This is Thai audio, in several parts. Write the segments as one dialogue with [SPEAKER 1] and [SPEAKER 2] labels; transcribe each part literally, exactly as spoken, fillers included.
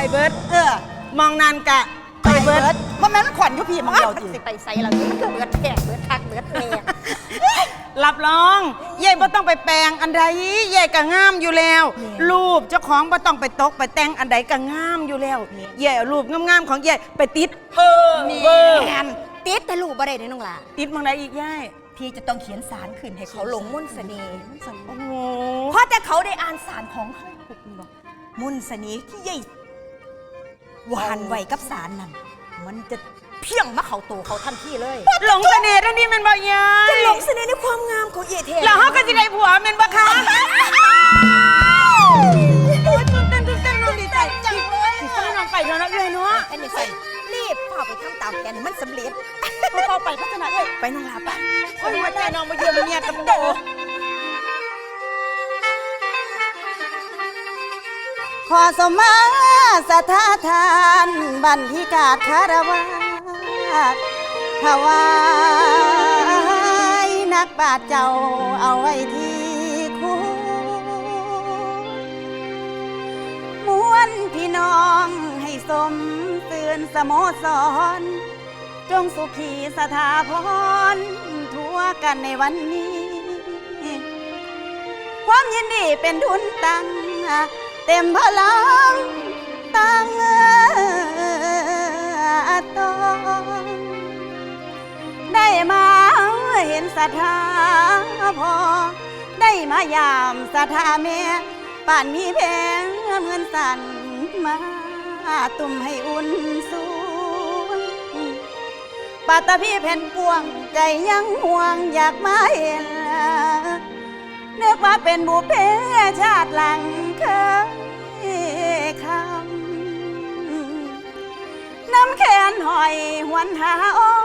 [SPEAKER 1] เบิด
[SPEAKER 2] เออ
[SPEAKER 1] มองนานกะไปเบิด
[SPEAKER 2] ว่าแม่นขวัญอยู่พี่มันเดียวจี
[SPEAKER 3] สิไปใส่เราเบิดแขกเบิดคักเบิดแม่
[SPEAKER 1] รับรองเย่บ่ต้องไปแปลงอันใดเย่ก็งามอยู่แล้วรูปเจ้าของบ่ต้องไปตกไปแต่งอันใดก็งามอยู่แล้วเย่เอารูปงามๆของเย่ไปติดเพ้อเบ้อ
[SPEAKER 3] แม่นติดแต่ลูกบ่ได้เด้น้องหล่ะ
[SPEAKER 1] ติดมองใดอีกย่าย
[SPEAKER 3] พี่จะต้องเขียนสารขึ้นให้เขาลงมุ่นเสน่ห์
[SPEAKER 1] โอ้โห
[SPEAKER 3] เพราะแต่เขาได้อ่านสารของเขาปุ๊บนี่บอกมุ่นเสน่ห์ที่ใหญ่หวานไวกับสารนั่นมันจะเพียงมาเขาโตเขาทันทีเลย
[SPEAKER 1] หลงเสน่ห์ท่านนี่มันบ่ยาย
[SPEAKER 3] จะหลงเสน่ห์ในความงามของเอเท
[SPEAKER 1] แล้วเฮาก็สิได้ผัวแม่นบ่คะโอ้ยตื่นเต้นตื่นเต้นน้องดีใจจังเลยสิฟ้าน้องไปแล้วนะเอ้ยเนาะ
[SPEAKER 3] ไอ้นี่ใส่รีบพาไปทำตามแผนให้มันสำเร็จ
[SPEAKER 1] พอเข้าไปพัฒนาเอ้ย
[SPEAKER 3] ไปน้องลาไป
[SPEAKER 1] โอ้ยว่าใจน้องมาเยี่ยมเมียกับโต
[SPEAKER 2] ขอสมมาสถาทานบันทิกาคารวะถวายนักบาทเจ้าเอาไว้ที่คู่มวนพี่น้องให้สมเตือนสโมสรจงสุขีสถาพรทั่วกันในวันนี้ ความยินดีเป็นทุนตั้งเต็มพลังตั้งตองได้มาเห็นศรัทธาพอได้มายามศรัทธาแม่ป่านมีแพงเงินสั่นมาตุ่มให้อุ่นสูงปาตะพี่แผ่นกวงใจยังห่วงอยากมาเห็นเนึกว่าเป็นบุพเพชาติหลังเคยคำน้ำแขนหอยหวนหาโอ้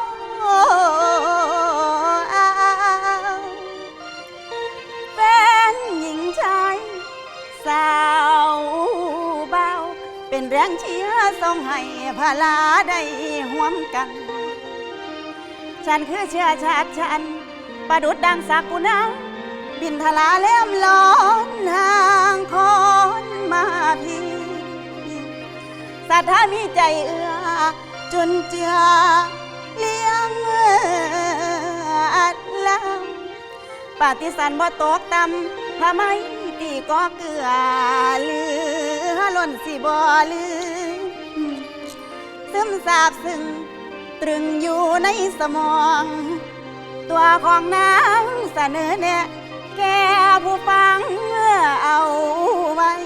[SPEAKER 2] แฟนหญิงชายสาวเบาเป็นแรงเชียร์ส่งให้พลาได้ห่วมกัน ฉันคือเชื้อชาติฉันประดุดดังสักกุณาบินทลาเล่มล้อนห่างคอนมาพี่ศรัทธามีใจเอื้อจนเจือเลี้ยงอัดลำปฏิสันบ่ตกต่ำทำไมตีก็เกลือเหลือล้นสิบ่ลืมซึมซาบซึ้งตรึงอยู่ในสมองตัวของนางเสนอแนะแก่ผู้ฟังเอาไว้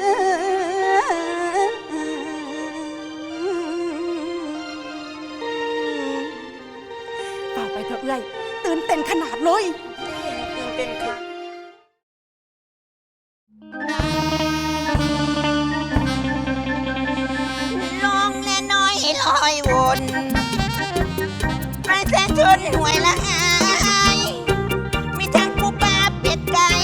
[SPEAKER 2] ต่อไปเถอะเอ้ยตื่นเต้นขนาดเลย
[SPEAKER 1] ตื่นเต้นค่ะ
[SPEAKER 3] ลองแน่น้อยลอยวนไปแสนชนหวยละอายมีทั้งปูปลาเป็ดไก่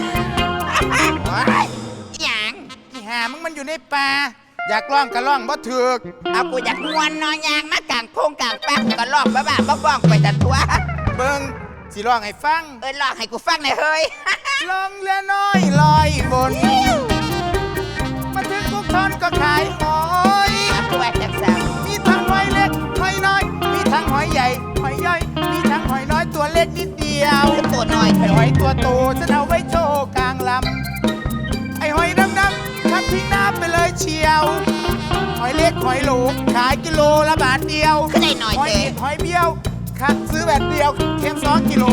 [SPEAKER 3] หยัง
[SPEAKER 4] อีหามึงมันอยู่ในป่าอยากล่องก็ล่องบ่ถึก
[SPEAKER 3] เอากูอยากมวนนอนยางมากลางโพงกลางปักก็ลอกบ้าบ้าบ้าบ้องไปแต่ตัว
[SPEAKER 4] เบิ่งสิร้องให้ฟัง
[SPEAKER 3] เออลอกให้กูฟังหน่อยเฮ้ย
[SPEAKER 4] ล่องเรือน้อยลอยบนมาถึงพวกทอนก็ขายหอย
[SPEAKER 3] มาปวดจักสัง
[SPEAKER 4] มีทั้งหอยเล็กหอยน้อยมีทั้งหอยใหญ่หอยย่อยมีทั้งหอยน้อยตัวเล็กนิดเดียว
[SPEAKER 3] คือตัวน้อย
[SPEAKER 4] ไอ้หอยตัวโตฉันเอาไว้โชว์กลางลำไอ้หอยดำๆทับทิ้งน้ำไปเลยเชียวหอยเล็กหอยโหลขายกิโลละบาทเดียว
[SPEAKER 3] คือได้หน่อย
[SPEAKER 4] หอย
[SPEAKER 3] เจ๊
[SPEAKER 4] เห็ดหอยเบี้ยวคัดซื้อแบบเดียวเค็มสองกิโล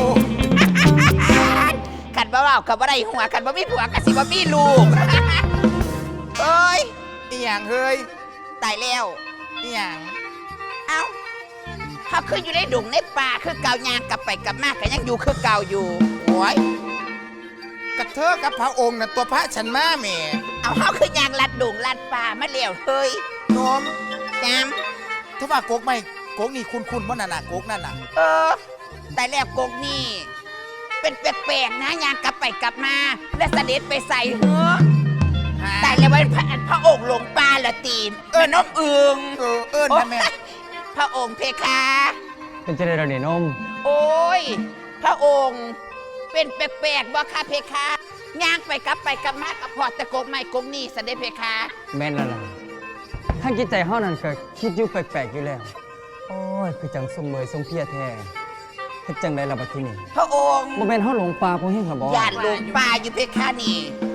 [SPEAKER 3] ขันบ่าวขันบ่ได้หัวขันบ่มีผัวกันสิบ่มีลูก เอ้ย
[SPEAKER 4] อีหยังเฮ้ย
[SPEAKER 3] ตายแล้ว
[SPEAKER 4] อีหยัง
[SPEAKER 3] เอ้าเขาคืออยู่ในดงในป่าคือเก่ายางกลับไปกลับมาก็ยังอยู่คือเก่าอยู่โอ้ย
[SPEAKER 4] กระเทอกับพระองค์น่ะตัวพระฉันมาแหม่
[SPEAKER 3] เอาเขาคือยางลัดดงลัดป่ามาเลี้ยวเฮ้ย
[SPEAKER 4] โนม
[SPEAKER 3] จาม
[SPEAKER 4] ถ้าว่ากกไม่กกนี่คุณคุณว่านั่นน่ะกกนั่นน่ะ
[SPEAKER 3] เออแต่แล้วกงนี่เป็นแปลกๆนะยางกลับไปกลับมา และเสด็จไปใส่เหือ
[SPEAKER 4] ฮะ
[SPEAKER 3] แต่แล้วเป็นพระพระองค์หลงป่าละตีนเออนมอึง
[SPEAKER 4] เออเอิ้นนะแม่
[SPEAKER 3] พระองค์เพคะ
[SPEAKER 5] เป็นเจริญเราเนี่ยนม
[SPEAKER 3] โอ้ย พระองค์เป็นแปลกๆบ่คะเพคะย่างไปกลับไปกลับมากับพอดตะกกไม่กงนี่เสด็จเพคะ
[SPEAKER 5] แม่นแล้วล่ะทางจิตใจเฮานั่นก็คิดอยู่แปลกๆอยู่แล้ว โอ้ย คือจังสมเมยทรงเพียแท้เฮ็ดจังไดล่ะบัดทีนี้
[SPEAKER 6] พระองค์
[SPEAKER 5] บ่แม่นเฮาหลงป่าบ่เฮ็ดหรอบ่
[SPEAKER 6] ญาติลงป่าอยู่เพคะนี่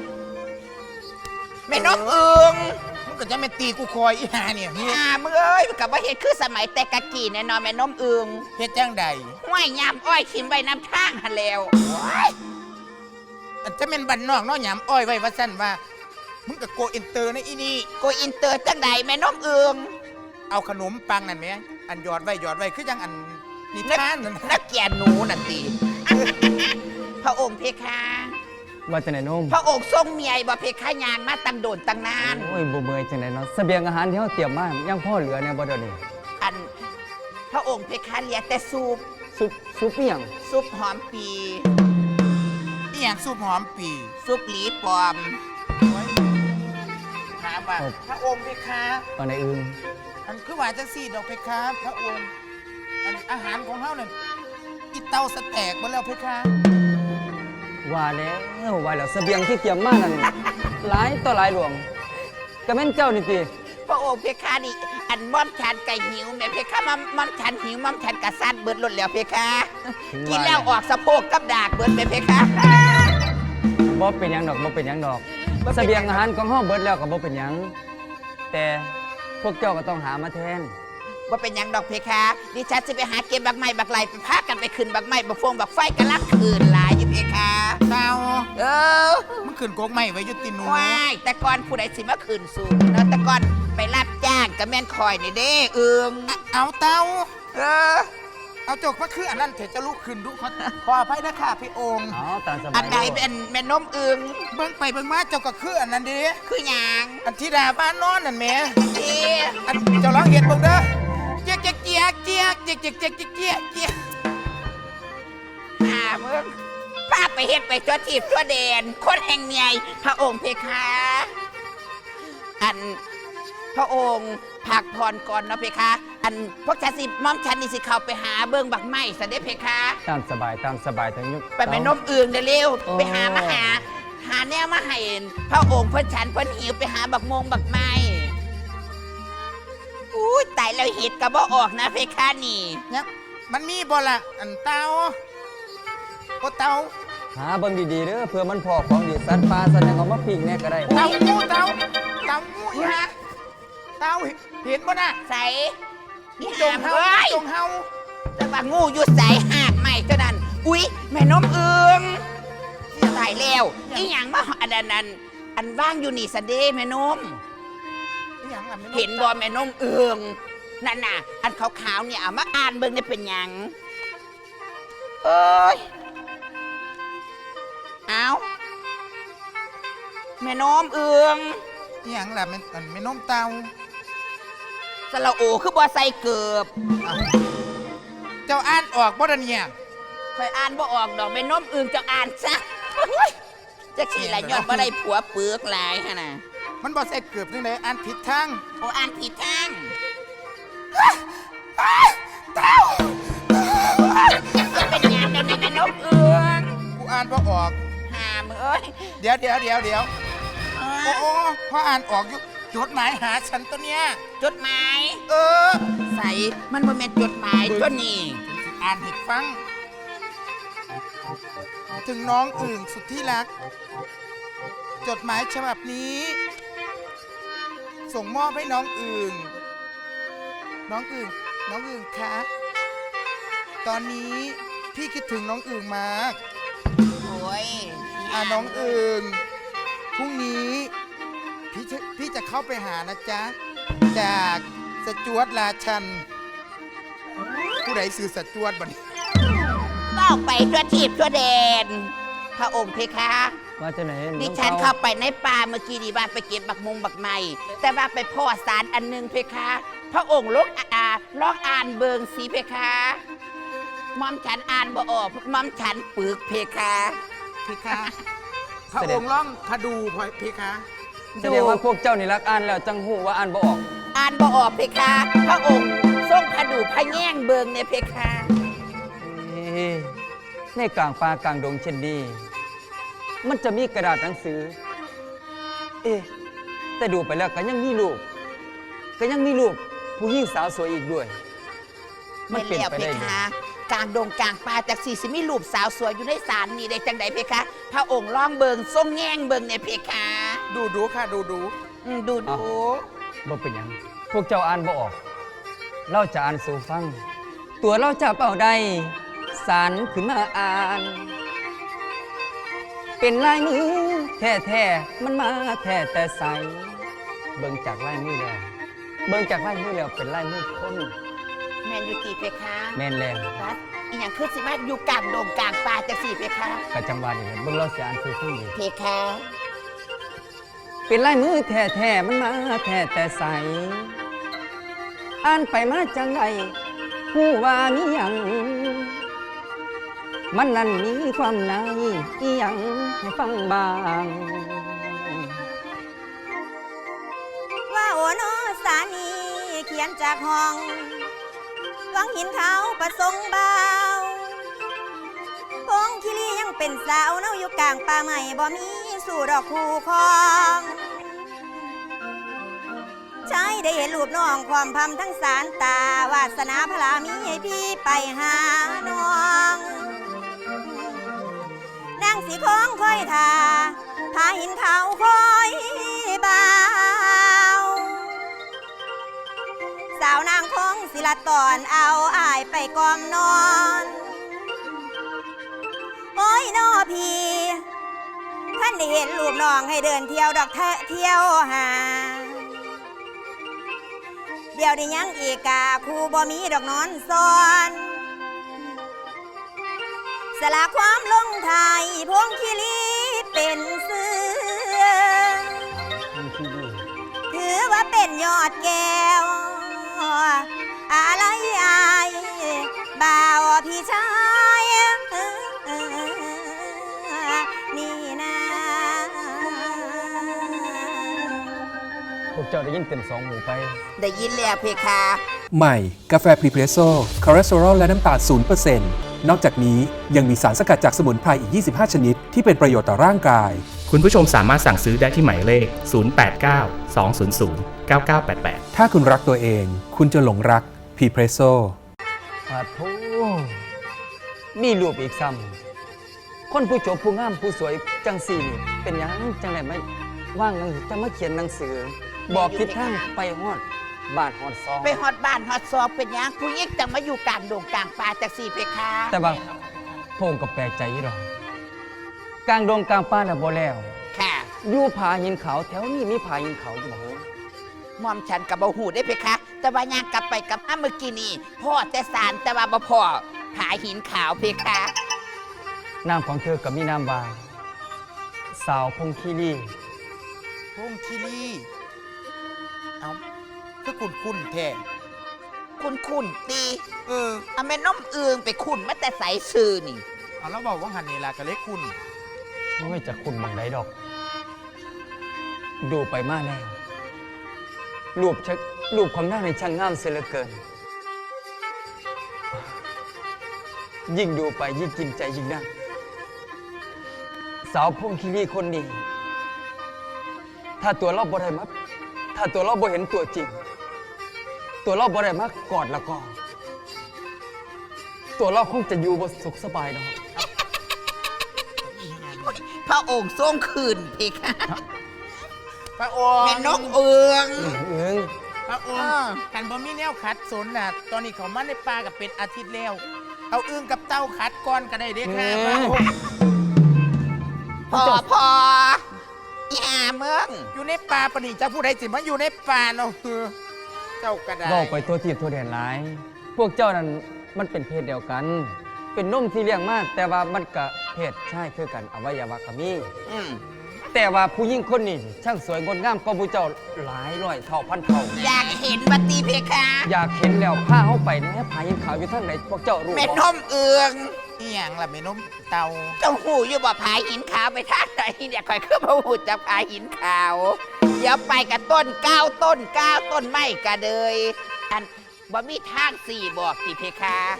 [SPEAKER 6] แม่นกเอิง
[SPEAKER 4] มึงก็จะไม่ตีกูคอยอีหาเนี่ยเฮ็ด
[SPEAKER 6] อ่ามึงเอ้ยกับว่าเฮ็ดคือสมัยแต่กะกี้แน่นอนแม่นมเอิง
[SPEAKER 4] เฮ็ดจังใด
[SPEAKER 6] ห้วยยามอ้อยขิมไว้น้ำทางหันแล้ว
[SPEAKER 4] อันจะเป็นบันนอกเนาะหยามอ้อยไว้ว่าซั่นว่ามึงก็โกอินเตอร์นะอีนี่
[SPEAKER 6] โกอินเตอร์จังใดแม่นมเอิง
[SPEAKER 4] เอาขนมปังนั่นแหมอันหยอดไว้หยอดไว้คือจังอันนิทานนั่น
[SPEAKER 6] นักแก่หนูนั่นติ พระองค์เพคะ
[SPEAKER 5] ว่าจังไดนม
[SPEAKER 6] พระองค์ทรงเมียบ่เพคะยางมาตั้งโดนตั้งนาน
[SPEAKER 5] โอ้ยบ่เมื่อยจังไดเนาะเสบียงอาหารที่เฮาเตรียมมายังพอเหลือแน่บ่เดี๋ยวนี้
[SPEAKER 6] อัน พระองค์เพคะเหลียแต่ซุป
[SPEAKER 5] ซุปซุปอีหยัง
[SPEAKER 6] ซุปหอมปี
[SPEAKER 4] อีหยังสูบหอมปี
[SPEAKER 6] ซุปหลีปลอม
[SPEAKER 4] ถามว่าพระองค์เพคะ
[SPEAKER 5] ตอนใดอื่น
[SPEAKER 4] อันคือว่าจังซี่ดอกเพคะพระองค์อันอาหารของเฮานั่นอีเตาสแตกบ่แล้วเพคะ
[SPEAKER 5] ว่าแล้วว่าแล้วเสบียงที่เตรียมมานั่นหลายต่อหลายหลวงก็แม่นเจ้านี่ติ
[SPEAKER 6] พระองค์เพคะนี่อันม่อมฉันไก่หิวแม่เพคะม่อมม่อมฉันหิวม่อมฉันกระซัดเบิดหลดแล้วเพคะกินแล้วออกสะโพกกับดากเบิดแม่เพคะ
[SPEAKER 5] บ่เป็นหยังดอกบ่เป็นหยังดอก
[SPEAKER 6] บ่เป็นหยัง
[SPEAKER 5] เสบียงอาหารของเฮาเบิดแล้วก็บ่เป็นหยังแต่พวกเจ้าก็ต้องหามาแทน
[SPEAKER 6] ว่าเป็นหยังดอกเพคะดิฉันจะไปหาเก็บบักไม้บักไหลไปพากันไปขึ้นบักไม้บักฟงบักไฟกันลักคืนหลายอยู่เพคะ
[SPEAKER 4] เตา
[SPEAKER 6] เออ
[SPEAKER 4] มึงขึ้นโกกไม้ไว้อยู่ติหนู
[SPEAKER 6] ว้ายแต่ก่อนผู้ใดสิมาขึ้นสูงเนาะแต่ก่อนไปรับจ้างกับแม่นคอยนี่เด้เอือง
[SPEAKER 4] อะเอาเตา
[SPEAKER 6] เออ
[SPEAKER 4] เอาจกมาคืออันนั้นเถอะจะลุกขึ้นดูขอขออภัยนะค่ะพี่องค์
[SPEAKER 5] อ๋อตามสบาย
[SPEAKER 6] อันใดเป็นแม่นมเอือง
[SPEAKER 4] เบิ่งไปเบิ่งมาเจ้าก็คืออันนั้นเด้
[SPEAKER 6] คือหยัง
[SPEAKER 4] อันที่ดาบ้านนอนนั่นแหม่
[SPEAKER 6] ที่
[SPEAKER 4] อันเจ้าลองเห็นบ่เด้อเจ๊กเจ๊กเจ๊กเจ๊กเจ๊กเจ๊กเจ๊กเจ๊กเจ๊กเจ๊ก
[SPEAKER 6] หาเมืองพาไปเฮ็ดไปตัวทีบตัวเดนคนแห่งเมียพระองค์เพคะอันพระองค์พักผ่อนก่อนเนาะเพคะ อันพวกฉันสิม่อมฉันนี่สิเข้าไปหาเบิ่งบักไม้ซะเด้เพคะ
[SPEAKER 5] ตามสบายตามสบายทั้งยุค
[SPEAKER 6] ไปแม่นมเอืองเด้อเร็ว
[SPEAKER 5] โอ้
[SPEAKER 6] ไปหามาหา หาแนวมาให้พระองค์เพิ่นฉันเพิ่นหิวไปหาบักมงบักไม้อุ้ยตายแล้วเห็ดก็บ่ออกนะเพคะนี่
[SPEAKER 4] เนี่ยมันมีบ่ล่ะอันเตาโอเตา
[SPEAKER 5] หาเบิ่งดีๆเด้อเพื่อมันพอของดีสัตว์ป่าสัตว์หยังเอามาปิ้งแน่ก็ได้
[SPEAKER 4] เตางูเตาเตางูอีฮะเตาเห็นบ่น่ะ
[SPEAKER 6] ใส่
[SPEAKER 4] งูจงเฮา
[SPEAKER 6] เอ้ย
[SPEAKER 4] จงเฮา
[SPEAKER 6] แต่ว่างูอยู่ใส่หากใหม่เท่านั้น อุ๊ย แม่นมเอืองตายแล้วอีหยังมาอันนั้นอันอันว่างอยู่นี่สะเดแม่นม
[SPEAKER 4] อีหยังล่ะแม่
[SPEAKER 6] เห็นบ่แม่นมเอืองนั่นน่ะ อันขาวๆเนี่ยเอามาอ่านเบิ่งได้เป็นหยังเอ้ยเอาแม่นมเอือง
[SPEAKER 4] อีหยังล่ะแม่อันแม่นมเตา
[SPEAKER 6] สระโอคือบ่ใส่เกือบ
[SPEAKER 4] เอ้าเจ้าอ่านออกบ่ล่ะเนี่ย
[SPEAKER 6] คอยอ่านบ่ออกดอกแม่นมเอืองจะอ่านซะจะขี่ละย้อนบ่ได้ผัวเปลือกหลายฮะน่ะ
[SPEAKER 4] มันบ่ใส่เกือบจังไดอ่านผิดทาง
[SPEAKER 6] โอ้อ่านผิดทาง
[SPEAKER 4] เต้า
[SPEAKER 6] จะเป็นหยังกันแม่นมเอือง
[SPEAKER 4] กูอ่านบ่ออก
[SPEAKER 6] หามเอ้ย
[SPEAKER 4] เดี๋ยวเดี๋ยวเดี๋ยวเดี๋ยว
[SPEAKER 6] เอ
[SPEAKER 4] โอ้
[SPEAKER 6] อ
[SPEAKER 4] โอ้พออ่านออกอยู่จดหมายหาฉันตัวเนี้ย
[SPEAKER 6] จดหมาย
[SPEAKER 4] เออ
[SPEAKER 6] ใส่มันบ่แม่นจดหมายตัวนี้
[SPEAKER 4] อ่านให้ฟัง ถึงน้องอื่นสุดที่รัก จดหมายฉบับนี้ ส่งมอบให้น้องอื่น น้องอื่น น้องอื่นคะ ตอนนี้พี่คิดถึงน้องอื่นมาก
[SPEAKER 6] โอ้ย
[SPEAKER 4] อ่าน้องอื่น พรุ่งนี้พี่จะพี่จะเข้าไปหานะจ๊ะ จากสจวตราชัน ผู้ใดสื่อสจวตบัดนี้
[SPEAKER 6] เป้าไปทั่วทีบทั่วแดน พระองค์เพคะ
[SPEAKER 5] ว่าจะไหน
[SPEAKER 6] ดิฉันเข้าไปในป่าเมื่อกี้ดีว่าไปเก็บบักมงบักไม้แต่ว่าไปพ่อสารอันหนึงเพคะ พระองค์ลกอ่าลองอ่านเบิงสีเพคะมอมฉันอ่านบ่ออกมอมฉันปึกเพคะ
[SPEAKER 4] เพคะ พระองค์ล่องพดูพอเพคะ
[SPEAKER 5] แสดงว่าพวกเจ้านี่รักอ่านแล้วจังหูว่าอ่านบ่ออก
[SPEAKER 6] อ่านบ่ออกเพคะ พระองค์ทรงผดูพระแง่งเบิงเนี่ยเพคะ
[SPEAKER 5] เอ๊ะในกลางป่ากลางดงเช่นนี้มันจะมีกระดาษหนังสือ เอ๊ะแต่ดูไปแล้วก็ยังมีรูปก็ยังมีรูปผู้หญิงสาวสวยอีกด้วย มัน
[SPEAKER 6] แม่น
[SPEAKER 5] เป็น
[SPEAKER 6] แล้ว
[SPEAKER 5] ไป
[SPEAKER 6] เพ
[SPEAKER 5] ได้
[SPEAKER 6] คะกลางดงกลางป่าจากสี่สิมีรูปสาวสวยอยู่ในศาลนี่ได้จังใดเพคะ พระองค์ร้องเบิงทรงแง่งเบิงในเพคะ
[SPEAKER 4] ดูดูค่ะดูดู
[SPEAKER 6] อืมดูดู
[SPEAKER 5] บ่เป็นหยังพวกเจ้าอ่านบ่ออก เราจะอ่านสู่ฟัง ตัวเราจะเป่าได้สารขึ้นมาอ่าน เป็นลายมือแท้ๆมันมาแท้แต่ใส เบิ่งจากลายมือแล้ว เบิ่งจากลายมือแล้วเป็นลายมือคน
[SPEAKER 6] แมนยูตีเพคะ
[SPEAKER 5] แม่นแล้ว
[SPEAKER 6] รัดอีหยังคือสิมาอยู่กลางดงกลางป่าจากสี่เพคะ
[SPEAKER 5] กะจังหวะนี่แหละเบิ่งเราสิอ่านสู่ฟังดี
[SPEAKER 6] เพคะ
[SPEAKER 5] เป็นลายมือแท้ๆมันมาแท้แต่ใส อ่านไปมาจังไรผู้ว่ามีหยัง มันนั่นมีความในอีหยังให้ฟังบ้าง
[SPEAKER 2] ว่าโอโนสานีเขียนจากห้องวังหินเขาประสงค์เบาพงคิรียังเป็นสาวเนาอยู่กลางป่าใหม่บ่มีสู่ดอกคู่คองใช้ได้เห็นรูปน้องความพำทั้งสารตาวาสนาพลามีให้พี่ไปหาน้องนางสีคองคอยทาพาหินเขาคอยบาวสาวนางคงศิลาตอนเอาอายไปกอมนอนโอ้ยนอพี่ท่านได้เห็นรูปน้องให้เดินเที่ยวดอกเทะเที่ยวหาเดี๋ยวได้ยังอีกกาคูบ่มีดอกนอนซ้อนสละความลงไทยพวงคิรีเป็นเสือ
[SPEAKER 5] มันคือดี
[SPEAKER 2] ถือว่าเป็นยอดแก้ว อะไรอายบ่าวพี่ชายนี่นะ
[SPEAKER 5] พวกเจ้าได้ยินเต็มสองหูไป
[SPEAKER 6] ได้ยินแล้วเพคะ
[SPEAKER 7] ใหม่ กาแฟพรีเพรสโซ่คอเลสเตอรอลและน้ำตาล ศูนย์เปอร์เซ็นต์ นอกจากนี้ยังมีสารสกัดจากสมุนไพรอีก ยี่สิบห้า ชนิด ที่เป็นประโยชน์ต่อร่างกาย
[SPEAKER 8] คุณผู้ชมสามารถสั่งซื้อได้ที่หมายเลข ศูนย์ แปด เก้า สอง ศูนย์ ศูนย์ เก้า เก้า แปด แปด
[SPEAKER 7] ถ้าคุณรักตัวเอง คุณจะหลงรักพรีเพรสโซ่
[SPEAKER 5] ปาโถมีรูปอีกซ้ำคนผู้จบผู้งามผู้สวยจังสี่นี่เป็นหยังจังไรไม่ว่างหนังจะมาเขียนหนังสือ บอกทิศทางไปฮอดบ้านฮอดซอง
[SPEAKER 6] ไปฮอดบ้านฮอดซอกเป็นหยังผู้หญิงจังมาอยู่กลางดงกลางป่าจากสี่เพคะ
[SPEAKER 5] แต่บางพงก็แปลกใจอยู่ดอกกลางดงกลางป่าน่ะบ่แล้ว
[SPEAKER 6] ค่ะ
[SPEAKER 5] อยู่ผาหินเขาวแถวนี้มีผาหินเขาวอยู่บ่เหรอ
[SPEAKER 6] มอมฉันกับบ่หูได้เพคะ แต่ว่ายางกลับไปกลับมาเมื่อกี้นี่พ่อแต่สารแต่ว่าบ่พ่อผาหินขาวเพคะ
[SPEAKER 5] นามของเธอกับมีนามว่าสาวพงคีรี
[SPEAKER 4] พงคิรีเอาคือคุณคุณแท้
[SPEAKER 6] คุณคุณตี
[SPEAKER 4] เออ
[SPEAKER 6] เอาแม่น้อมเอืองไปคุณมาแต่ใสซื่อนี่
[SPEAKER 4] เอาแล้วบอกว่าหันนี่ล่ะก็เล็กคุณ
[SPEAKER 5] ไม่จะคุณบังไดดอก ดูไปมาแล้วรูปชักรูปของหน้าในช่างงามเสียเหลือเกิน ยิ่งดูไปยิ่งกินใจยิ่งนักสาวพงคีรีคนนี้ ถ้าตัวเราบ่ได้มาถ้าตัวเราบ่เห็นตัวจริง ตัวเราบ่ได้มากอดแล้วก็ ตัวเราคงจะอยู่บ่สุขสบายดอก
[SPEAKER 6] พระองค์ทรงคืนเพคะ
[SPEAKER 4] พระองค์
[SPEAKER 6] แม่นกเอือง
[SPEAKER 5] เอิง
[SPEAKER 4] พระองค์กันบ่มีแนวขัดสนน่ะ ตอนนี้เขามาในป่ากับเป็นอาทิตย์แล้ว เอาอึ้งกับเต้าขัดก่อนก็ได้เด้ค่ะพระองค์
[SPEAKER 6] พอพออีอาเมือง
[SPEAKER 4] อยู่ในป่าปะนี่เจ้าผู้ใดสิมาอยู่ในป่าเนาะเออเจ้าก็ได้
[SPEAKER 5] เว้าไปตัวทีบตัวแดนหลาย พวกเจ้านั้นมันเป็นเพศเดียวกัน เป็นนมที่เลี้ยงมาแต่ว่ามันก็เพศชายคือกันอวัยวะก็มี
[SPEAKER 6] อืม
[SPEAKER 5] แต่ว่าผู้หญิงคนนี้ช่างสวยงดงามกว่าผู้เจ้าหลายร้อยเท่าพันเท่า
[SPEAKER 6] อยากเห็นบัตตีเพคะ
[SPEAKER 5] อยากเห็นแล้วพาเข้าไปแหน่ผายินขาวอยู่ทางไหนพวกเจ้ารู้
[SPEAKER 6] แม่
[SPEAKER 5] บ่
[SPEAKER 6] นมเอือง
[SPEAKER 4] อีหยังล่ะแม่นมเตา
[SPEAKER 6] เจ้าหูอยู่บ่ผาหินขาวไปทางไหนเนี่ยคอยขึ้นมาหูจากผาหินขาว เดี๋ยวไปกับต้นเก้าต้นเก้าต้นไม้กะเดยอันบ่มีทางสี่บอกติเพคะ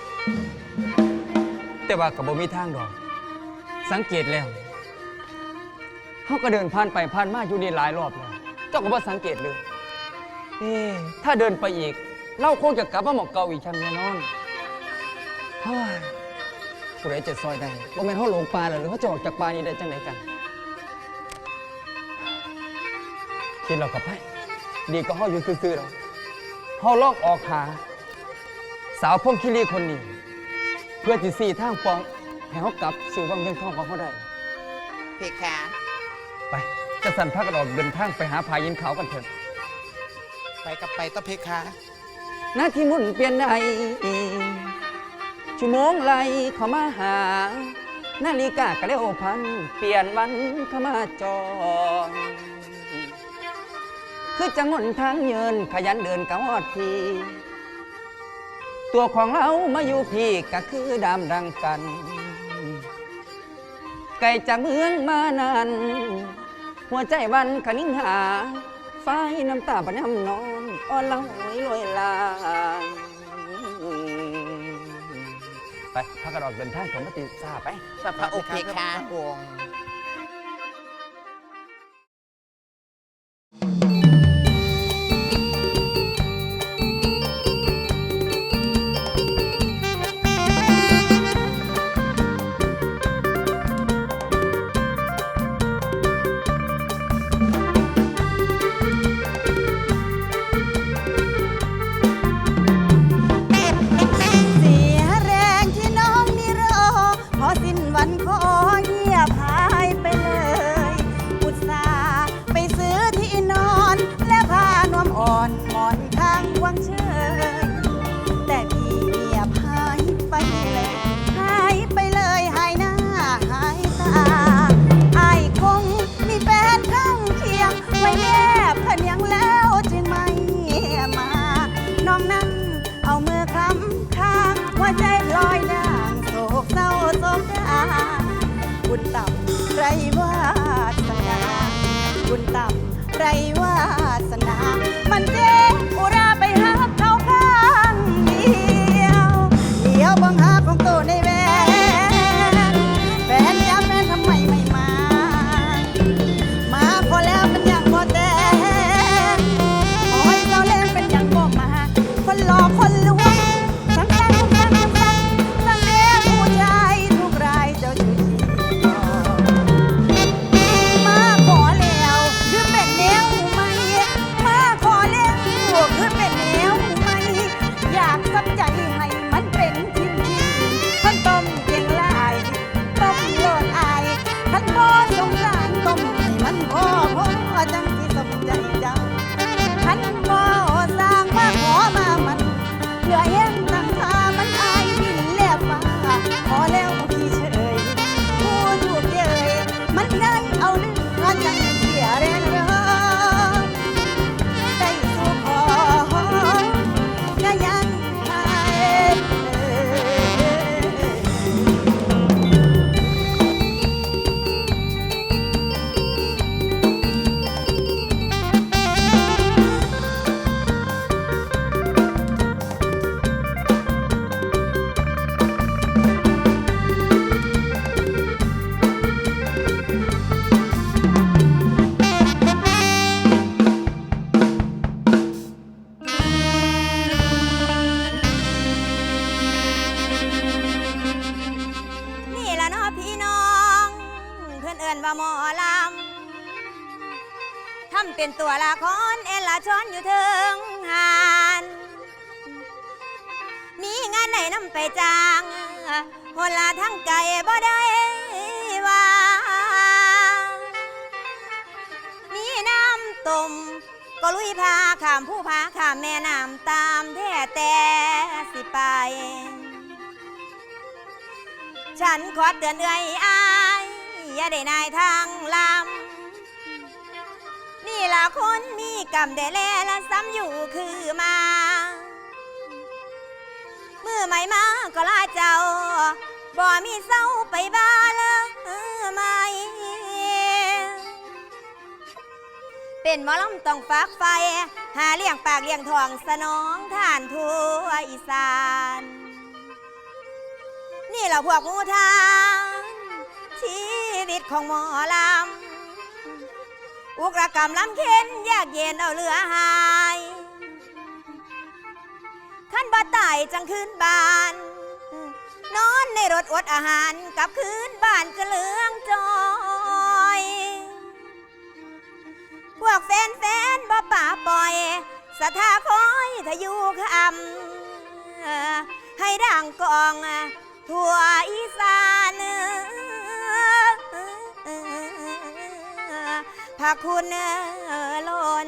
[SPEAKER 5] แต่ว่าก็บ่มีทางดอก สังเกตแล้วเขาก็เดินผ่านไปผ่านมาอยู่นี่หลายรอบแล้ว เจ้าก็บ่สังเกตเลยเอ๊ะถ้าเดินไปอีก เราคงจะกลับมาหมอกเก่าอีกชั้นแน่นอนเฮ้ยผู้ใดจะซอยได้บ่แม่นเขาหลงป่าแล้วหรือเขาจะออกจากป่านี้ได้จังไดกันคิดเรากลับไปดีก็เขาอยู่ซื่อๆเราเขาลอกออกหา สาวพงคิรีคนนี้ เพื่อที่สี่ทางปองให้เขากลับสู่วังเวียงทองของเขาได้
[SPEAKER 6] เพคะ
[SPEAKER 5] ไปจะสั่นพักกันออกเดินทางไปหาพายินเขากันเถอะ
[SPEAKER 4] ไปกับไปต้อเพคะ
[SPEAKER 5] หน้าที่หมุนเปลี่ยนใดชั่วโมงไหลเข้ามาหา นาฬิกากระเร็วพัน เปลี่ยนวันเข้ามาจองคือจังหนทางเยินขยันเดินกะฮอดทีตัวของเรามาอยู่พี่ก็คือดามดังกัน ไกลจากเมืองมานานหัวใจวันขนิ่งหาไฟน้ำตาปัญญำนอนอ่อนละหวยลอยลางไปพักกระดอกเดินทางของมติซาไป
[SPEAKER 6] พระองค์เพคะ
[SPEAKER 4] พระองค์
[SPEAKER 2] เสียแรงที่น้องนี่รอพอสิ้นวันขอเงียบหายไปเลยอุตส่าห์ไปซื้อที่นอนและผ้านวมอ่อนหมอนข้างวังเชยแต่พี่เงียบหายไปเลยหายไปเลยหายหน้าหายตาอายคงมีแฟนข้างเคียงไว้แนบเพียงแล้วจึงไม่มาน้องนั้นเอามือคำข้างหัวใจพลอยด่างโศกเศร้าโศกดาบุญต่ำไรวาสนาบุญต่ำไรวาสนา มันเจ๊อุราไปหาเขาข้างเดียวเดี๋ยวบังหาของตัวในแวนแฟนย้ำแฟนทำไมไม่มา มาพอแล้วเป็นอย่างบ่แต่ขอให้เราเล่นเป็นอย่างบ่มา คนหลอกคนลวงสั่งสั่งสั่งสั่งสั่งสั่งเลี้ยงผู้ชายทุกรายเจ้าชู้มาขอแล้วคือเป็นแนวไหมมาขอแล้วคือเป็นแนวไหมอยากสับใจให้มันเป็นชิ้นชิ้นท่านต้มเกียงลายต้มโลดอายท่านพ่อสงสารต้มให้มันพ่อพ่อจังที่สมใจเจ้าท่านพ่อสร้างมาขอมามันเหลือเห็นตั้งท่ามันอายดินแลบฟ้าขอแล้วพี่เฉยผู้ถูกเย้ยมันได้เอาเนื้อจังเสียแรงเรอได้สู่ขอก็ยังหายเอ่ย นี่ละเนาะพี่น้อง เพื่อนเอิ้นว่าหมอลำทำเป็นตัวละครเอลาชอนอยู่ถึงหานมีงานไหนนำไปจ้างคนละทั้งไก่บ่ได้ว่า มีน้ำต้มก็ลุยพาข้ามผู้พาข้ามแม่น้ำตามแท้แต่สิไป ฉันขอเตือนเอ่ยอายอย่าได้นายทางลำนี่ล่ะคนมีกรรมได้แลและซ้ำอยู่คือมา มือใหม่มาก็ลาเจ้าบ่มีเศร้าไปบ้าเลยไหม เป็นหมอลำต้องฝากไฟ หาเลี้ยงปากเลี้ยงท้องสนองท่านทั่วอีสาน นี่เราพวกหมูทางชีวิตของหมอลำอุกรกรรมลำเค็นยากเย็นเอาเหลือหาย
[SPEAKER 3] จังคืนบ้านนอนในรถอดอาหารกับคืนบ้านจะเหลืองจอยพวกแฟนแฟนบ่ป่าปล่อยสะท่าคอยทะยุคำให้ดังกองทั่วอีสานพระคุณล้น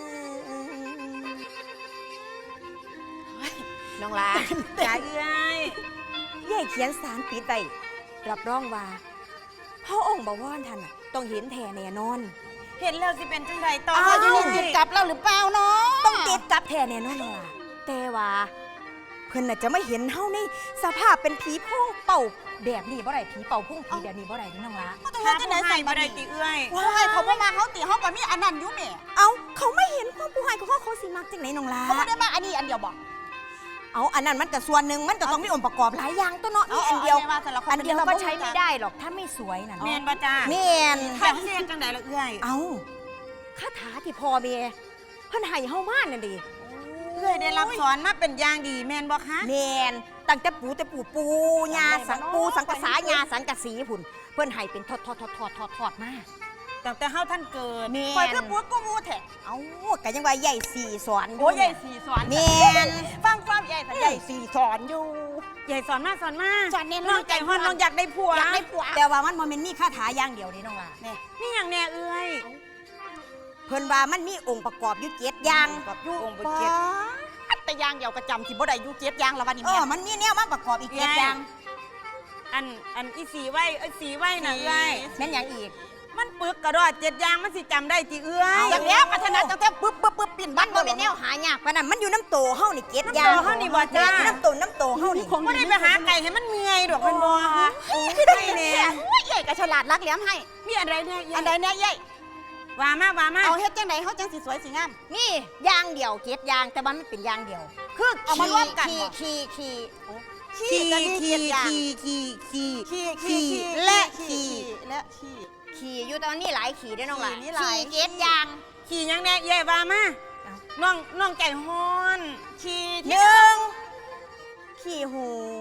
[SPEAKER 3] น้องลา
[SPEAKER 1] จ้าเอ้ย
[SPEAKER 3] ย่ายเขียนสารปิดไปรับรองว่าพระองค์บวรท่านน่ะต้องเห็นแท้แน่นอน
[SPEAKER 1] เห็นแล้วสิเป็นจังไดต่อ
[SPEAKER 2] อ้าว
[SPEAKER 1] อยู่
[SPEAKER 2] นี่
[SPEAKER 1] นี่
[SPEAKER 2] ติดกับเราหรือเปล่าเนาะ
[SPEAKER 3] ต้องติดกับแท้แน่นอนน้องลาแต่ว่าเพิ่นน่ะจะไม่เห็นเฮาในสภาพเป็นผีโพ่งเป่าแบบนี้บ่ได้ผีเป่าพุ่งผีแบบนี้บ่ได้นี่น้องลา
[SPEAKER 2] เขาต้อง
[SPEAKER 1] ถ้า
[SPEAKER 2] เฮ็ดจัง
[SPEAKER 1] ผู้
[SPEAKER 2] ได๋
[SPEAKER 1] ให้
[SPEAKER 2] ใส่
[SPEAKER 1] บ่
[SPEAKER 2] บ่
[SPEAKER 1] ได้
[SPEAKER 2] ได้
[SPEAKER 1] ติ
[SPEAKER 2] ติ
[SPEAKER 1] เอ้ย
[SPEAKER 2] ว้ายเขาบ่มาเขาติเขาก็มีอันนั้นอยู่แม่
[SPEAKER 3] เอาเขาไม่เห็นความผู้ให้ของเขาเขาสิมักจังไหนน้องลา
[SPEAKER 2] เขาบ่ได้มาอันนี้อันเดียวบ่
[SPEAKER 3] เอาอันนั้นมันก็ส่วนหนึ่งมันก็ต้องมีองค์ประกอบหลายอย่างตัวเนาะนี่อันเดียว
[SPEAKER 2] าแต่ละค
[SPEAKER 3] อันเดียวก็ใช้ไม่ได้หรอกถ้าไม่สวยน่ะ
[SPEAKER 1] แม่นบ่จ้า
[SPEAKER 3] แม่น
[SPEAKER 1] ถ้าเสียจังไดล่ะเอ้ย
[SPEAKER 3] เอาคาถาที่พ่อเมียเพิ่นให้เฮามานั่นดิ
[SPEAKER 1] เอ้ยได้รับสอนมาเป็นอย่างดีแม่นบ่คะ
[SPEAKER 3] แม่นตั้งแต่ปู่แต่ปู่ปู่ย่าสังปู่สังกษายาสังกะสีพุ่นเพิ่นให้เป็นทอดทอดทอดทอดทอดทอดมา
[SPEAKER 1] ตั้งแต่เฮาท่านเกิด
[SPEAKER 3] แม่
[SPEAKER 2] ปล่อย
[SPEAKER 3] น
[SPEAKER 2] คือปัวกูมูแท้
[SPEAKER 3] เอ้าก็ยังว่าใหญ่สี่สอน
[SPEAKER 2] โอ้ยใหญ่สีสอน
[SPEAKER 3] แม่น
[SPEAKER 2] ฟังความใหญ่แต่ใหญ่สีสอนอยู่
[SPEAKER 1] ใหญ่สอนมาสอนมา
[SPEAKER 2] สอนแน่นอน
[SPEAKER 1] น้องใจฮ้อนน้องอยากได้ผัว
[SPEAKER 2] อยากได้ผัว
[SPEAKER 3] แต่ว่ามันบ่แม่นมีคาถาอย่างเดียวนี่น้องล่ะ
[SPEAKER 1] นี่หยังแน่เอ้ย
[SPEAKER 3] เพิ่นว่ามันมีองค์ประกอบอยู่เจ็ดอย่าง
[SPEAKER 2] กับอยู่
[SPEAKER 1] องค์
[SPEAKER 2] ป
[SPEAKER 1] บ่เจ็ด
[SPEAKER 2] ดแต่ยางเดียวก็จำสิบ่ได้อยู่เจ็ดยางแล้ววันนี้
[SPEAKER 3] เอ
[SPEAKER 2] แม่
[SPEAKER 3] อมันมีแนวมาประกอบอีกเจ็ดอย่าง
[SPEAKER 1] อันอันอีสีไว้ไอ้สีไว้น่ะเอ้ย
[SPEAKER 3] แม่นหยังอีก
[SPEAKER 1] มันปึกกระดอดเจ็ดอย่างมันสิจำได้ติเอ้ย
[SPEAKER 2] อย่างเนี้ยพัฒนาตั้งแต่ปึ๊บปึ๊บปึ๊บปิ่น
[SPEAKER 3] มั
[SPEAKER 2] บ้าน น
[SPEAKER 3] บ่
[SPEAKER 2] บ่
[SPEAKER 3] เป็
[SPEAKER 2] เป็น น
[SPEAKER 3] แน
[SPEAKER 2] แน
[SPEAKER 3] ว
[SPEAKER 2] ว
[SPEAKER 3] หายากปานนั้นมันอยู่น้ำโตเฮานี่เจ็ด
[SPEAKER 1] น้ำ
[SPEAKER 3] อย่า
[SPEAKER 1] โต
[SPEAKER 3] ง
[SPEAKER 1] เฮานี่บ่จ้า
[SPEAKER 3] น้ำโตน้ำโตเฮานี่
[SPEAKER 1] บ่ได้ไปหาไก่ให้มันเมื่อยดอกมันบ่ฮะโอ้ย
[SPEAKER 2] ได้
[SPEAKER 1] แน่
[SPEAKER 2] เนี่ยโอ้ยใหญ่ก็ฉลาดรักแหลมให้
[SPEAKER 1] มีอะไรเนี่ย
[SPEAKER 2] อันใดเนี่ยใหญ่
[SPEAKER 1] ว่ามาว่ามา
[SPEAKER 2] เอาเฮ็ดจังไดเฮาจังสิสวยสิงาม
[SPEAKER 3] นี่อย่างเดียวเจ็ดอย่างแต่ว่ามันเป็นอย่างเดียว คือ
[SPEAKER 2] เอามารวมกัน
[SPEAKER 3] ขี่
[SPEAKER 2] เหรอ
[SPEAKER 3] ขี่ขี่
[SPEAKER 1] ขี่
[SPEAKER 2] ก็มี
[SPEAKER 1] ขี่
[SPEAKER 2] เจ็ดอย่าง
[SPEAKER 1] ขี่ขี่ขี่
[SPEAKER 2] ขี่ขี่ขี่
[SPEAKER 1] และขี่
[SPEAKER 2] และขี่
[SPEAKER 3] ขี่อยู่ตอนนี้หลายขี่ได้อน้องหลาน
[SPEAKER 2] ขี่นี่หลาย
[SPEAKER 3] เจ็ดอย่าง
[SPEAKER 1] ขี่หยังแน่เย่ว่ามาน้องน้องใจฮ้อน
[SPEAKER 2] ขี่
[SPEAKER 3] ห
[SPEAKER 2] ที่
[SPEAKER 3] นึ่งขี่หู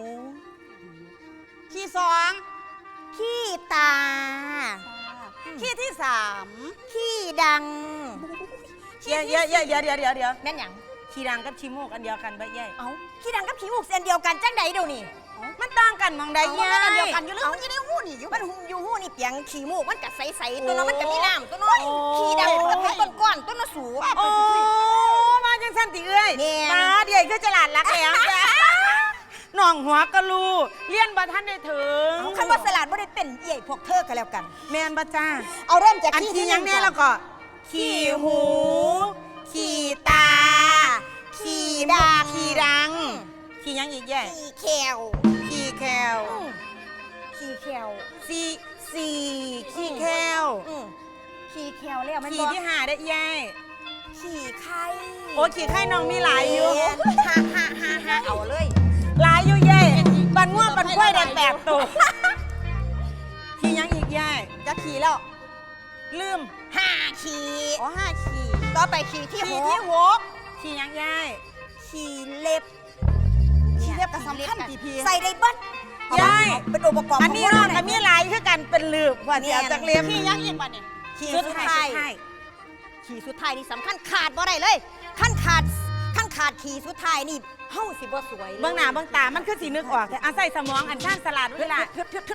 [SPEAKER 2] ขี่สอง
[SPEAKER 3] ขี่ตา
[SPEAKER 2] ขี่ที่สาม
[SPEAKER 3] ขี่ดัง
[SPEAKER 1] เย่เย่เย่เดี๋ยวเดี๋ยวเดี๋ยวเดี๋ยว
[SPEAKER 3] แม่นหยัง
[SPEAKER 1] ขี่ดังกับขี้มูกอันเดียวกันบ่เย่
[SPEAKER 3] เอ้าขี่ดังกับขี่มูกเส้นเดียวกันจังใดเดี๋ยวนี้
[SPEAKER 1] มันต่างกันมองใด
[SPEAKER 2] เอา
[SPEAKER 1] เย่
[SPEAKER 2] มันอันเดียวกันอยู่แล้วมันจะได้หู้นี่อยู่
[SPEAKER 3] มันหุ่มอยู่หูนี่เปียงขี่มูกมันกัดใสๆตัวนั้นมันก็มีน้ำตัวน้อย
[SPEAKER 1] โอ้
[SPEAKER 3] ขี่ดังมันก็เป็นก้อนๆตัวน้อยสูง
[SPEAKER 1] โอ้มาจังสันติเอ้ย
[SPEAKER 3] แม่น
[SPEAKER 1] มาเดี๋ยวคือฉลาดรักแหลมจ้ะน้องหัวกะลูเลี้ยนบ่ทันได้ถึง
[SPEAKER 3] คันว่าสลัดบ่ได้เป็นเอี่ยพวกเธอกันแล้วกัน
[SPEAKER 1] แม่นบ่จ้า
[SPEAKER 3] เอาเริ่มจาก
[SPEAKER 1] อัน
[SPEAKER 3] ขี่
[SPEAKER 1] ที่
[SPEAKER 3] ที่
[SPEAKER 1] ยังแน่แล้วก็ ขี่หู ขี่ตา ขี่ดัง ขี่ดัง ขี่ยังอีกแย่
[SPEAKER 3] ขี่แคว
[SPEAKER 1] ขี่แคล
[SPEAKER 3] ขี่แคว
[SPEAKER 1] สี่สี่ขี่แคล
[SPEAKER 3] อืมขี่แควแล้วมัน
[SPEAKER 1] ขี่
[SPEAKER 3] บอก
[SPEAKER 1] ที่หาได้แย่
[SPEAKER 3] ขี่ไข่
[SPEAKER 1] โอ้ขี่ไข่น้องมีหลายอยู่
[SPEAKER 3] ฮ่าฮ่าฮ่าฮ่าเอาเลย
[SPEAKER 1] หลายอยู่แย่บันง่วงบันกล้วยได้แปดตัวขี่ยังอีกแย่
[SPEAKER 2] จะขี่แล้ว
[SPEAKER 1] ลืม
[SPEAKER 3] ห้าขี่
[SPEAKER 2] อ๋อห้าขี่
[SPEAKER 3] ต่อไปขี่ที่
[SPEAKER 2] ขี่
[SPEAKER 3] ห
[SPEAKER 2] ที่
[SPEAKER 3] ก
[SPEAKER 2] หก
[SPEAKER 1] ขี่ยังแย่
[SPEAKER 3] ขี่เล็บ
[SPEAKER 2] ขี่เรียบกับสำคัญกี่พี
[SPEAKER 3] ใส่ได้เบัด
[SPEAKER 1] ยาย
[SPEAKER 3] เป็นองค์ประกอบ
[SPEAKER 1] อันนี้
[SPEAKER 3] ขง
[SPEAKER 1] น้อง
[SPEAKER 3] มั
[SPEAKER 1] กับมีหลายคือกันเป็นลืบว่าเสียจากเลียม
[SPEAKER 2] ขี่ยังอีกป่ะเนี่ย
[SPEAKER 3] ขี่
[SPEAKER 1] สุ
[SPEAKER 3] สุ
[SPEAKER 1] ด
[SPEAKER 3] ด
[SPEAKER 1] ท้า
[SPEAKER 3] ท้าย ย
[SPEAKER 1] สุดท้าย
[SPEAKER 3] ขี่สุดท้ายนี่สำคัญขาดบ่ได้เลยขั้นขาดขั้นขาดขี่สุดท้ายนี่เฮาสิบ่สวยลย
[SPEAKER 1] เบื้องหน้าเบื้องตามันคือสีนึกออกแต่อาศัยสมองอันช่างสลัดเวลา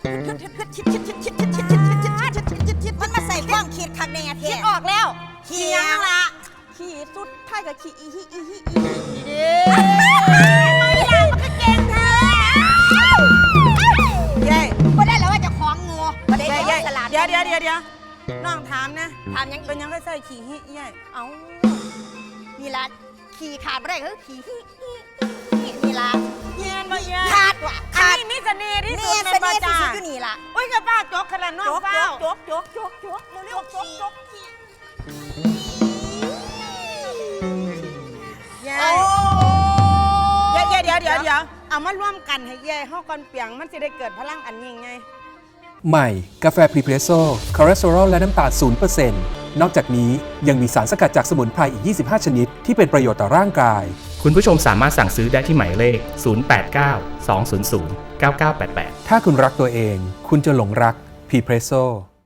[SPEAKER 3] มันมาใส่ความคิดคักในอาเท
[SPEAKER 2] คิดออกแล้ว
[SPEAKER 3] ขี่ยังละ
[SPEAKER 2] ขี่สุดท้ายกับขี่อีฮิอีฮิอีฮิดีเด้
[SPEAKER 3] ไม่ได้มันก็เก่งเธอ
[SPEAKER 1] เย้
[SPEAKER 3] บ่ได้แล้วว่าจะคล้องงูบ่ได้
[SPEAKER 1] เย้
[SPEAKER 3] เดี๋
[SPEAKER 1] เย้
[SPEAKER 3] ยวสลัด
[SPEAKER 1] เดี๋ยวเดี๋ยวเดี๋ยวเดี๋ยวน้องถามนะ
[SPEAKER 3] ถามยัง
[SPEAKER 1] เป็นยังไงใส่ขี่ฮิเย้
[SPEAKER 3] เอานี่ละขี่ขาดบ่ได้คือขี่ฮิฮิฮินี่ละ
[SPEAKER 1] เย็นมาเย้
[SPEAKER 3] ขาดว่ะ
[SPEAKER 1] อัน
[SPEAKER 3] ขาด
[SPEAKER 1] นี้มีเสน่ห์ที่สุ
[SPEAKER 3] นี่
[SPEAKER 1] ด
[SPEAKER 3] เส
[SPEAKER 1] ใน
[SPEAKER 3] น่
[SPEAKER 1] ประ
[SPEAKER 3] ห์ที่
[SPEAKER 1] จา
[SPEAKER 3] สุดอยู่นี่ล่ะ
[SPEAKER 1] อุ้ยกับป้าจกขนาดน้อง
[SPEAKER 3] โจ๊ก
[SPEAKER 1] เฝ้า
[SPEAKER 3] โจ๊กโจ๊กโจ๊กโจ๊กเร็วๆโจ๊กโจ๊ก
[SPEAKER 1] เย้เย้เย้เดี๋ยวเดี๋ยวเดี๋ยวเอามาร่วมกันให้เย้ห้องก่อนเปียงมันจะได้เกิดพลังอันยิ่งไง
[SPEAKER 7] ใหม่ กาแฟพรีเพรสโซ่คอเลสเตอรอลและน้ำตาลศูนย์เปอร์เซ็นต์ นอกจากนี้ยังมีสารสกัดจากสมุนไพรอีก ยี่สิบห้า ชนิดที่เป็นประโยชน์ต่อร่างกาย
[SPEAKER 8] คุณผู้ชมสามารถสั่งซื้อได้ที่หมายเลข ศูนย์ แปด เก้า สอง ศูนย์ ศูนย์ เก้า เก้า แปด แปด
[SPEAKER 7] ถ้าคุณรักตัวเอง คุณจะหลงรักพรีเพรสโซ่